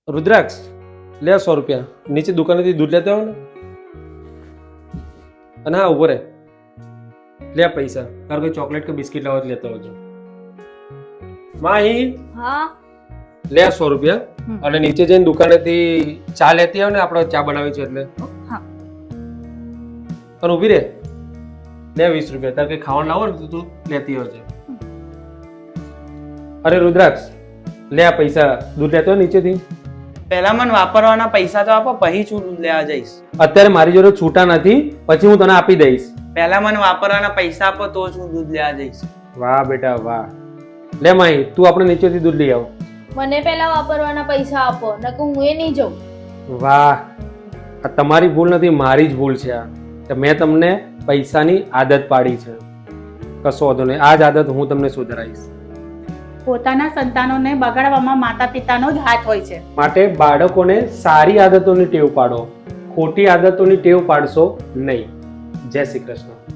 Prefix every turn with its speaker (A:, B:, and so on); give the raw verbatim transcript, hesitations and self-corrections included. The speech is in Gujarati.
A: રુદ્રાક્ષ લે સો રૂપિયા નીચે દુકાનેથી દૂધ લેતા આવો ને. અને હા ઉભો રે લે પૈસા તારે કોઈ ચોકલેટ કે બિસ્કિટ લાવવા લેતા આવજો. માહી
B: હા
A: લે સો રૂપિયા અને નીચે જઈને દુકાનેથી ચા લેતી આવ ને આપણે ચા બનાવી છે એટલે.
B: હા
A: અને ઊભી રે લે વીસ રૂપિયા તારે કઈ ખાવાનું લાવો ને તો તું લેતી આવજે. અરે રુદ્રાક્ષ લે આ પૈસા દૂધ લેતો હોય નીચેથી.
C: પહેલા મને વાપરવાના પૈસા તો આપો, પછી હું દૂધ લેવા જઈશ.
A: અત્યારે મારી જોડે છૂટા નથી, પછી હું તને આપી દઈશ.
C: પહેલા મને વાપરવાના પૈસા આપો તો જ હું દૂધ લેવા જઈશ.
A: વાહ બેટા વાહ. લે માહી તું આપણે નીચેથી દૂધ લઈ આવ.
B: મને પહેલા વાપરવાના પૈસા આપો, નકર હું એ નહીં જાઉં.
A: વાહ આ તમારી ભૂલ નથી, મારી જ ભૂલ છે આ કે મેં તમને પૈસાની આદત પાડી છે. કશો વાંધો નહીં, આ જ આદત હું તમને સુધરાઈશ.
D: પોતાના સંતાનોને બગાડવામાં માતા પિતાનો જ હાથ હોય છે.
A: માટે બાળકોને સારી આદતોની ટેવ પાડો, ખોટી આદતોની ટેવ પાડશો નહીં. જય શ્રી કૃષ્ણ.